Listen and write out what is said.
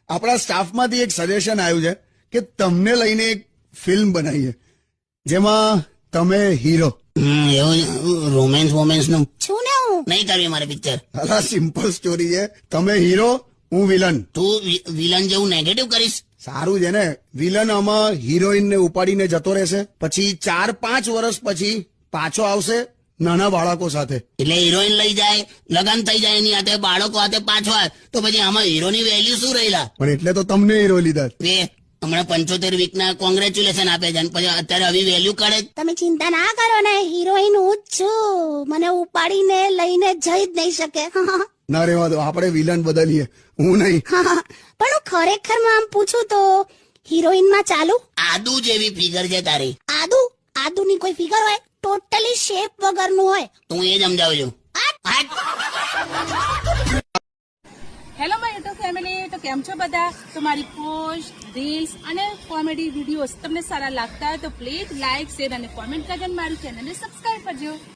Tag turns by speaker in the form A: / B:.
A: આપણા સ્ટાફમાંથી એક સજેશન આવ્યું છે કે તમને લઈને એક ફિલ્મ બનાવીએ જેમાં તમે હીરો.
B: એવું રોમેન્સ વોમેન્સ નું
C: છું ને હું.
B: નહીં કરવી મારે પિક્ચર.
A: અલા સિમ્પલ સ્ટોરી છે. તમે હીરો, હું વિલન.
B: તું વિલન જેવું નેગેટિવ કરીશ.
A: સારું છે ને. વિલન આમાં હિરોઈન ને ઉપાડીને જતો રહેશે, પછી 4-5 વર્ષ પછી પાછો આવશે નાના બાળકો સાથે.
B: એટલે હિરોઈન લઈ જાય, લગન થઈ જાય એની હાથે, બાળકો હાથે પાછો આવે તો પછી આમાં હીરોની વેલ્યુ શું રહેલા?
A: પણ એટલે તો તમને હીરો લીધા.
B: એ હમણાં 75 વીકના કોંગ્રેચ્યુલેશન આપે છે અને પછી અત્યારે આવી વેલ્યુ કાઢે.
C: તમે ચિંતા ના કરો ને, હિરોઈન હું જ છું. મને ઉપાડીને લઈને જઈ જ નહીં શકે.
A: ના રેવા દો, આપણે વિલન બદલીએ, હું નહીં.
C: પણ હું ખરેખર માં આમ પૂછું તો હિરોઈન માં ચાલુ?
B: આદુ જેવી ફિગર છે તારી.
C: આદુ ની કોઈ ફિગર હોય? ટોટલી શેપ વગરનું હોય.
B: તું એ જ સમજાવું છું.
D: હેલો માય યુટ્યુબ ફેમિલી, તો કેમ છો બધા? તો મારી પોસ્ટ, રીલ્સ અને કોમેડી વિડીયોઝ તમને સારા લાગતા હોય તો પ્લીઝ લાઇક, શેર અને કોમેન્ટ કરજો અને મારી ચેનલને સબસ્ક્રાઇબ કરજો.